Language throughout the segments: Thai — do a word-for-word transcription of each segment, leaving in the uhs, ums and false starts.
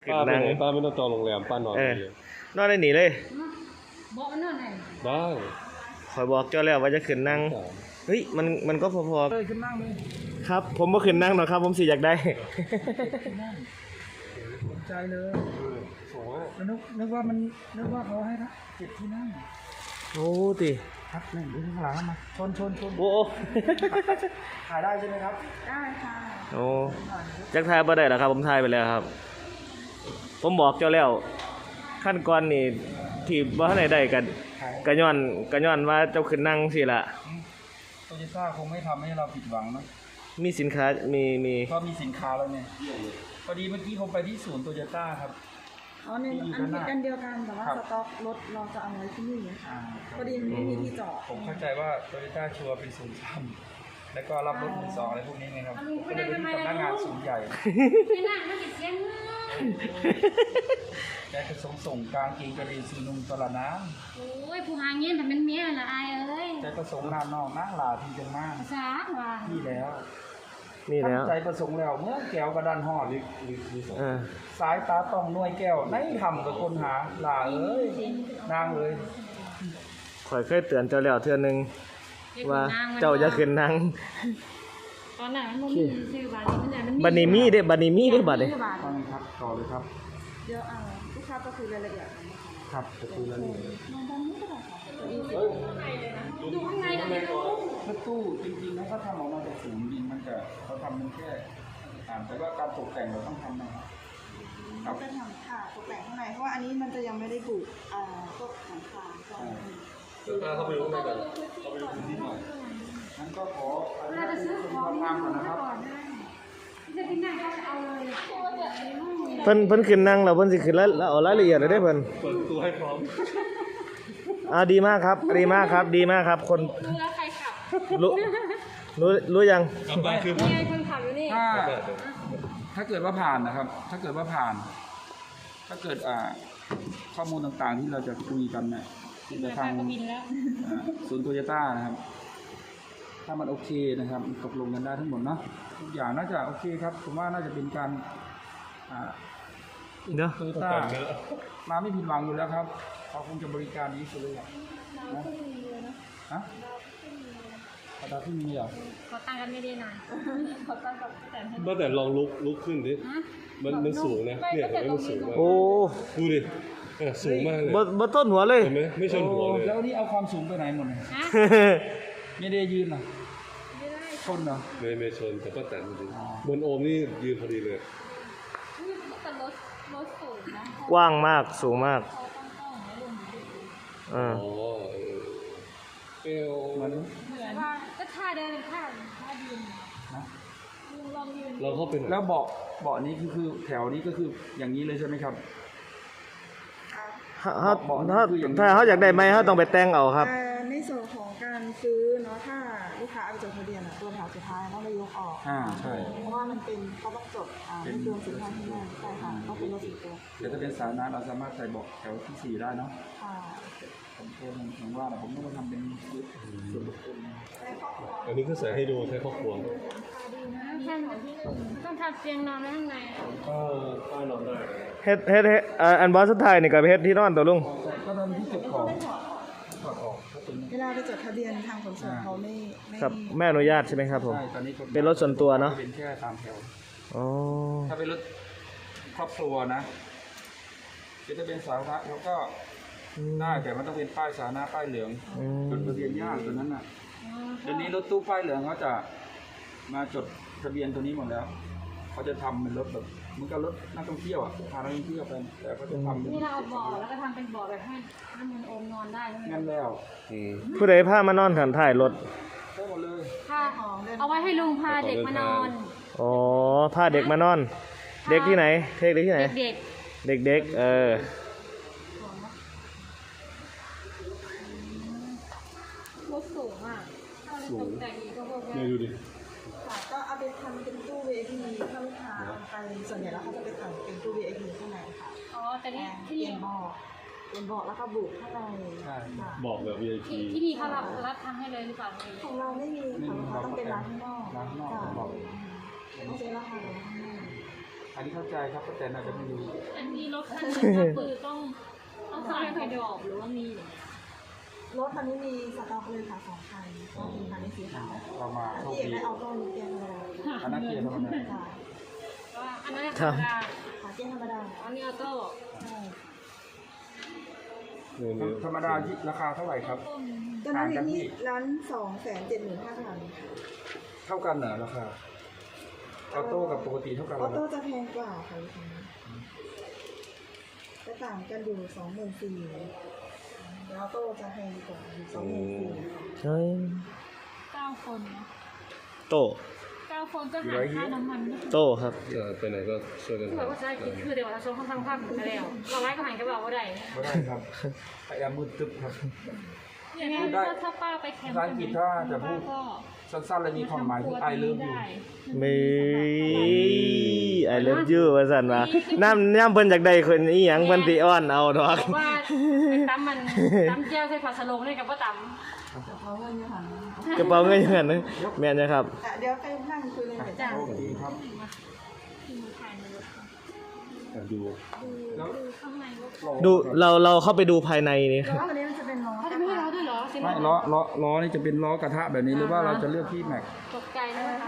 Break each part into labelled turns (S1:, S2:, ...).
S1: ป้าไปไหนป้าไม่ต้องจองโรงแรมป้านอนเลย
S2: นอนได้หนีเลย
S3: บอกนอนไหน
S1: ได้
S2: คอยบอกเจ้าแล้วว่าจะขึ้นนั่งเฮ้ยมันมันก็พอๆ
S4: เลยขึ้นนั่งเลย
S2: ครับผมบ่ขึ้นนั่งหรอกครับผมสิอยากได้
S4: ใจเลยนึกนึกว่ามันนึกว่าเขาให้เจ็ดที่นั่ง
S2: โอ้ติ
S4: ครับนี่ดูข้างหลังมาชนชนชน
S2: โอ้
S4: ถ่ายได้ใช่ไหมครับ
S3: ได้ค่ะ
S2: โอ้จักถ่ายบ่ได้หรอครับผมถ่ายไปแล้วครับผมบอกเจ้าแล้วขั้นก่อนนี่ที่บ่ทันได้ได้กันกะย้อนกะย้อนว่าเจ้าขึ้นนั่งสิล่ะ
S4: โตโยต้าคงไม่ทำให้เราผิดหวังนะ
S2: มีสินค้ามีมี
S4: ก็มีสินค้าแล้วเนี่ยพอดีเมื่อกี้ผมไปที่ศูนย์โตโยต้าครับ
S3: อ๋อเนี่ยอันกันเดียวกันแต่ว่าสต็อกรถเราจะเอาไว้ที่นี่ค่ะพอดีมันไม่มีที่จอด
S4: ผมเข้าใจว่าโตโยต้าชัวร์เป็นศูนย์ซ้ำแล้วก็รับรถมือสองอะไรพวกนี้ไงครับก็เลยเป็นสำนักงานศูนย์ใหญ่
S3: ไม่นั่งไม่ติดเสียง
S4: แกจะส่งส่งกลางกีกระดิ่งซีนุ่มตลาดน้
S3: ำโอ้ยผู้หางเงี้ยแต่เป็นเมียละอายเอ้ย
S4: แกก็ส่งนานนอกนั่งหลาทีจังมาก
S3: สาว่า
S4: นี่แล้ว
S2: นี่แล้ว
S4: ใจประสงค์แล้วเมื่อแก้วกระดานห่อสายตาต้องหน่วยแก้วในทำกับคนหาหลาเอ้ยนางเลย
S2: ข่อยเคยเตือนเจ้าแล้วเทื่อนึงว่าเจ้าจะขึ้นนั่ง
S3: ตอนนั้นมันมีชื่อบาร์นี้มัน
S2: บัดนี้มีเด้บัดนี้มีเด้บัดนี้
S4: ฟังครับต่อเลยครับ
S3: เดี๋ยวอ่าลูกค้าก็คือรายละเอียด
S4: ครับจะคุยรายละเอียด
S3: มองตอนนี้ก็ได้ค่ะดูข้างในนะ
S4: รถตู้จริงๆนะเขาทำออกมาจากศูนย์ดินมันจะเขาทำมันแค่แต่ว่าการตกแต่งเราต้องทำนะครับ
S3: เราจะทำค่ะตกแต่งข้างในเพราะว่าอันนี้มันจะยังไม่ได้บุกอ่าพวกหลังคา
S1: เดี๋ยวเข้าไปดูข้างในกัน
S4: เข้าไปดูพื้นที่หน่อยงั้นก็ขอ
S3: เราจะซื้อของ
S4: ทำก่อนนะครับ
S3: จะกินนั่งก็เอาเลย
S2: เพิ่นเพิ่นขึ้นนั่งแล้วเพิ่นสิขึ้นแล้วเอารายละเอียดเลยได้เพิ่น
S1: เปิดตัวให้พร้อม
S2: อ่าดีมากครับดีมากครับดีมากครับคน
S3: รู้แล้วใครขับ
S2: รู้รู้รู้ยัง
S1: กลับมาคือ
S3: นี่คนขับอยู่นี่
S4: ถ้าถ้าเกิดว่าผ่านนะครับถ้าเกิดว่าผ่านถ้าเกิดอ่าข้อมูลต่างๆที่เราจะคุยกันเนี่ยที่จะทางศูนย์โตโยต้านะครับถ้ามันโอเคนะครับตกลงกันได้ทั้งหมดเนาะทุกอย่างน่าจะโอเคครับผมว่าน่าจะเป็นการอ่า
S2: เนาะ
S4: โตโยต้ามาไม่ผิดหวังอยู่แล้วครับเขาคงจะบริการดีสุดเลยนะฮะขอตาที่มีเหรอ
S3: ขอตั้งกันไม่ได้นานขอตั้งกับแต่
S1: เมื่อแต่ลองลุกลุกขึ้นดิมันมันสูงนะเนี่ยเห็นไหมมันสูงมาก
S2: โอ้
S1: ดูดิสูงมากเลย
S2: บ่ต้นหัวเลย
S1: เห็นไหมไม่ชนหัวเลย
S4: แล้วนี่เอาความสูงไปไหนหมดเลยไม่ได้ยืนหรอชนเหรอ
S1: ไม่ไม่ชนแต่ก็แต่จริงบนโอมนี่ยืนพอดีเลย
S3: แต่รถรถสูงนะ
S2: กว้างมากสูงมาก
S1: อ๋อเอว
S4: มัน
S3: เหมือนว่าก็ท่าเดินท่าท่ายืนนะลองยืน
S1: เราเข้าไป
S4: แล้วเบาะเบาะนี้คือคือแถวนี้ก็คืออย่างนี้เลยใช่ไหมครับ
S2: ถ้าถ้าเขาอยากได้ไหมเขาต้องไปแต่งเอาครับ
S3: ในส่วนของการซื้อเนาะถ้าลูกค้าเอาไปจดทะเบียนตัวแถวสุดท้ายต้องไปยกออก
S4: อ่าใช่
S3: เพราะว่ามันเป็นเขาต้องจดอ่าเป็นรวมสินค้าที่นั่นใช่ค่ะต้องเป็นรถสิบตัว
S4: เดี๋ยวถ้าเป็นสาธารณะเราสามารถใส่เบาะแถวที่สี่ได้เนาะ
S3: ค่ะ
S4: ผมเองผมว่าผมต้องมาทำเป็นส่วนบุคคล
S1: อันนี้ก็ใส่ให้ดูใช้ครอบครัว
S3: ต้องทำเตียงนอนไว้ข้างใน
S1: ก็ป้านอนได้
S2: เฮ็ดเฮ็ดเฮ็ดอันบอสสุดท้ายนี่ก็เฮ็ดที่นอนตัวลุง
S4: ก็ตอนที่เก็บของถอดออก
S3: เวลาไปจดทะเบียนทางขนส่งเขาไม่
S2: ครับแม่อนุญาตใช่ไหมครับผม
S4: ใช่ตอนนี้
S2: เป็นรถส่วนตัวเนาะ
S4: เป็นแค่ตามแถว
S2: อ๋อ
S4: ถ้าเป็นรถครอบครัวนะจะเป็นสาธารณะเขาก็ได้แต่มันต้องเป็นป้ายสาธารณะป้ายเหลืองจดทะเบียนยากตัวนั้นน่ะเดี๋ยวนี้รถตู้ป้ายเหลืองเขาจะมาจดทะเบียนตัวนี้หมดแล้วเขาจะทำเป็นรถแบบเหมือนกับรถนักท่องเที่ยวอ่ะพานักท่องเที่ยวไปแต่เขาจะทำ
S3: นี่เราเอาเบาะแล้วก็ทำเป็นเบาะแบบให้ให้มันโอมนอนได้
S4: งั้นแล้ว
S2: ผู้ใดพามานอนถันถ่ายรถ
S4: ได้หมดเลย
S3: ผ้าเอาไว้ให้ลุงพาเด็กมานอน
S2: อ๋อพาเด็กมานอนเด็กที่ไหนเด็กที่ไหน
S3: เด็ก
S2: เด็กเด็กเออ
S3: รถสูงอ่ะสูง
S1: ไม่ดูดิ
S3: ก็เอาไปทำเป็นตู้ วี ไอ พี ถ้าลูกค้าไปส่วนใหญ่แล้วเขาจะไปทำเป็นตู้ วี ไอ พี ข้างในค่ะอ๋อแต่นี่ที่นี่บอกเป็นบอกแล้วก็บุกข้างใน
S1: ใช่บอกแบบ วี ไอ พี
S3: ที่นี่เขารับรับทำให้เลยหรือเปล่าของเราไม่มีค่ะลูกค้าต้องเป็นร้านข้างนอก
S4: ร้านข้างนอกบอก
S3: ต้องเป็นร้านข้างนอก
S4: อันนี้เข้าใจครับแต่น่าจะไม่รู้
S5: อันนี้รถคันนี้ก็คือต้องต้องสั่งไปดอกหรือว่ามีอย่างเงี้ย
S3: รถคันนี้มีสต็อกเลยค่ะสองคันก็เป็นคันนี้สีขาว
S4: เรามา
S3: อัน
S4: โชค
S3: ที่เอก
S4: ดี
S3: ได้เอาต้นเกียร์ธรรมดา
S4: อันนั้นเกียร์ธรรมดา
S3: ค่ะ
S5: ว่าอันนั้นธรรมดา
S3: ขาเกียร์ธรรมดา
S5: อันนี้ออโต้
S3: ใช่
S1: เนี่ยเนี่ย
S4: ธรรมดาราคาเท่าไหร่ครับ
S3: ตอนนั้นอยู่ที่ร้านสองแสนเจ็ดหมื่นห้าพัน
S4: เท่ากันเหรอราคาออโต้กับปกติเท่ากัน
S3: อ
S4: เหร
S3: อ
S4: อ
S3: โต้จะแพงกว่าค่ะลูกค้าจะต่างกันอยู่สองหมื่นสี่ออโต้จะแพงกว่าอยู่สองหมื่นสี่
S2: เฮ้ย
S5: เก้าคนนะ
S2: โต
S5: เก้าคนก็หารค่าน้ำมันก็คือ
S2: โตครับ
S1: เออไปไหนก็ช่วยกัน
S5: คือแบบว่าใช้กินคือเดี๋ยวเราชมค่อนข้างภาพเหมือนกันแล้วเราไล่ก็หันก็บอกว่าได้
S4: ไม่ได้ครับพยายามมืดตึ๊บครับ
S5: อย่างนี้ถ้าถ้าป้าไปแคมป์
S4: ภาษาอังกฤษถ้าจะพูด
S5: ป้าก็
S4: สั้นๆเลยมีความหมายคือ I love you
S2: มีไอเลิฟยูว่าซั่นว่าน้ำย่ำเพิ่นจากใดคนอีหยังเพิ่นสิอ้อนเอาดอก
S5: บอกว่าไอ้ตั้มมันตั้มแก้วใส่ผัดสโลงเลยกับว่าตั้ม
S3: เอาเงินอยู่ค่ะ
S2: กระเป๋าเงินอย่างนั้นนะแม่นจ้ะครับ
S3: อ่ะเดี๋ยวไปนั่งคุยเลยเดี๋ยวจะ
S4: โอเคครับ
S5: ที่มือถ่ายในรถ
S1: อ่ะดู
S4: แล้ว
S5: ดูข้างในรถ
S2: ดูเราเราเข้าไปดูภายในนี่
S3: แล้วอันนี้มันจะเป็นล้อ
S5: เขาจะไม่ให้เราด้วยเหรอจริงเหร
S4: ไม่ล้อล้อล้อนี่จะเป็นล้อกระทะแบบนี้หรือว่าเราจะเลือกที่แม็ก
S5: ตกใจเลยนะคะ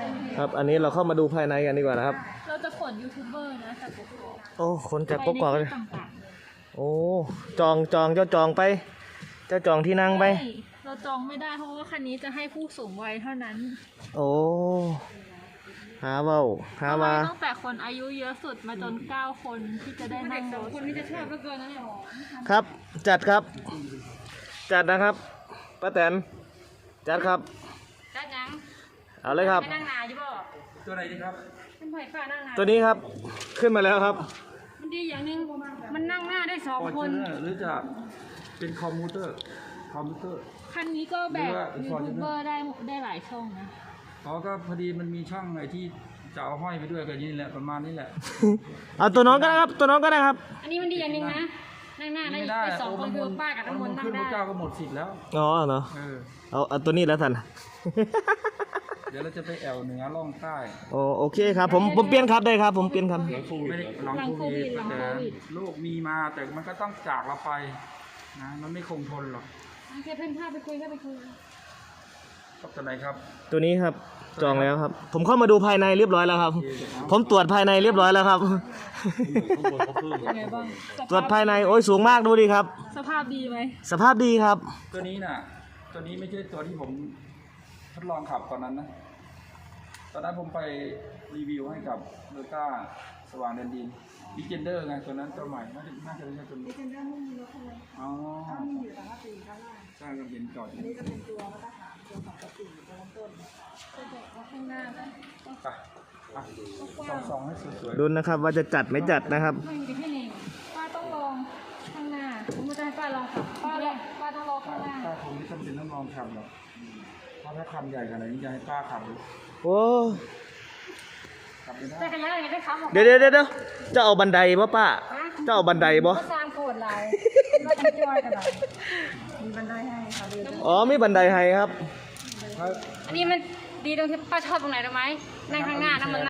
S2: ครับ อันนี้เราเข้ามาดูภายในกันดีกว่านะครับ
S5: เราจะขนยูทูบเบอร์นะจากกกอก
S2: โอ้คนจากกกอก
S5: ไป
S2: เล
S5: ใน
S2: ย
S5: ที่ต่าง
S2: โอ้จองจองเจ้าจองไป เจ้าจองที่นั่ง
S5: ๆ
S2: ไป
S5: ใช่เราจองไม่ได้เพราะว่าคันนี้จะให้ผู้สูงวัยเท่านั้น
S2: โอ้หาเว้าหาว่า
S5: ตั้งแต่คนอายุเยอะสุดมาจนเก้าคนที่จะได้นั่งรถคนที่จะชอบเหลือเกินนะเนี่ย
S2: ครับ จัดครับ จัดนะครับป้าแตนจัดครับ
S5: ด้านยัง
S2: เอาเลยครับ
S5: ให้นั่งนาอยู่บ่
S4: ตัวไหนดีครับ
S5: เป็นไผ่ฟ้านั่งนา
S2: ตัวนี้ครับขึ้นมาแล้วครับ
S5: มันดีอย่างหนึงมันนั่งหน้าได้สอง
S4: ฟอร์
S5: ค
S4: จู
S5: น
S4: เนอร์หรือจะเป็นคอมพิวเตอร์คอมพิวเตอร์
S5: คันนี้ก็แบ
S4: หรื
S5: บ
S4: อว่า
S5: ยูทูบเบอร์ได้ได้หลายช่องนะ
S4: อ๋อก็พอดีมันมีช่องไอ้ที่จะเอาห้อยไปด้วยกันนี่แหละประมาณนี้แหละ
S2: เอาตัวน้องก็ได้ครับ ตัวน้องก็ได้ครับ
S5: อันนี้มันดีอย่างหนึงนะนั่งหน้าได้
S4: ไม่ได้
S5: ได้สองคนคือป้ากับน้ำมนต์นั่ง
S4: ขึ้นพ
S5: ได้
S4: ระเจ้าก็หมดสิทธิ์แล้ว
S2: อ๋อเนาะ
S4: เออ
S2: เอาเอาตัวนี้แล้วท่าน
S4: เดี๋ยวเราจะไปแอวเหนือล่องใต้
S2: โอ้โอเคครับ ผมผมเปลี่ยนครับได้ครับ ผมเปลี่ยนครับ
S1: หลังโควิด
S4: ไม่ได้
S1: เหรอ
S4: หลังโควิดแต่โรคมีมาแต่มันก็ต้องจากเราไปนะมันไม่คงทนหรอก
S5: โอเคเพื่อนพาไปคุยก็ไปคุย
S4: ครับตัวไหนครับ
S2: ตัวนี้ครับจองแล้วครับ ผมเข้ามาดูภายในเรียบร้อยแล้วครับ ผมตรวจภายในเรียบร้อยแล้วครับ
S1: ข้างบนเขาเพิ่ม
S5: ยังไงบ้าง
S2: ตรวจภายในโอ้ยสูงมากดูดิครับ
S5: สภาพดีไหม
S2: สภาพดีครับ
S4: ตัวนี้น่ะ ตัวนี้ไม่ใช่ตัวที่ผมทดลองขับตอนนั้นนะ ตอนนั้นผมไปรีวิวให้กับโลต้าสว่างแดนดินดิเจนเดอร์ไงตัวนั้นตัวใหม่น่าจะน่าจะเป็นตัว
S3: ดิ
S4: นี้
S3: เจนเดอร์ไม่มีรถคันเลย
S4: อ๋อ
S3: ถ้ามีอยู่แต่ว่าปีด้านล่าง
S4: ใช่ก็เห็นจอดอ
S3: อั
S4: ยู่
S3: นนี้จะเป็นตัวมาตรฐานตัวของปกติตัวเริ่มต้น
S5: จะบอกว่าข้างหน้าก็
S4: ไปอ่ะส่องส่องให้สวย
S2: ดูนะครับว่าจะจัดไม่จัดนะครับ
S5: ไม่มีพี่เน่งป้าต้องลองข้างหน้าผมจะให้ป้าลองขับป้าลองป้าต้องลอง
S4: ๆ
S5: ข้างหน้า
S4: ป้าคงไม่จำเป็นต้องลองขับหรอกเพราะถ้าคันใหญ่ขนาดนี้จะให้ป้าขับหรือ
S2: โอ้
S4: ขับไม่ได้
S5: แต่กระยานอย่างนี้ได้ขับหรอ
S2: เดี๋ยวเดี๋ยวเดี๋ยวจะเอาบันไดบ่ป้าจะเอาบันไดบ่
S5: ก็สร้างโกรธลายก็จะจอยกันหน่อย
S3: มีบันไดให้ค่ะเดิน
S2: อ๋อมีบันไดให้ครับ
S5: อันนี้มันดีตรงที่ป้าชอบตรงไหนรู้ไหมนั่งข้างหน้านะมัน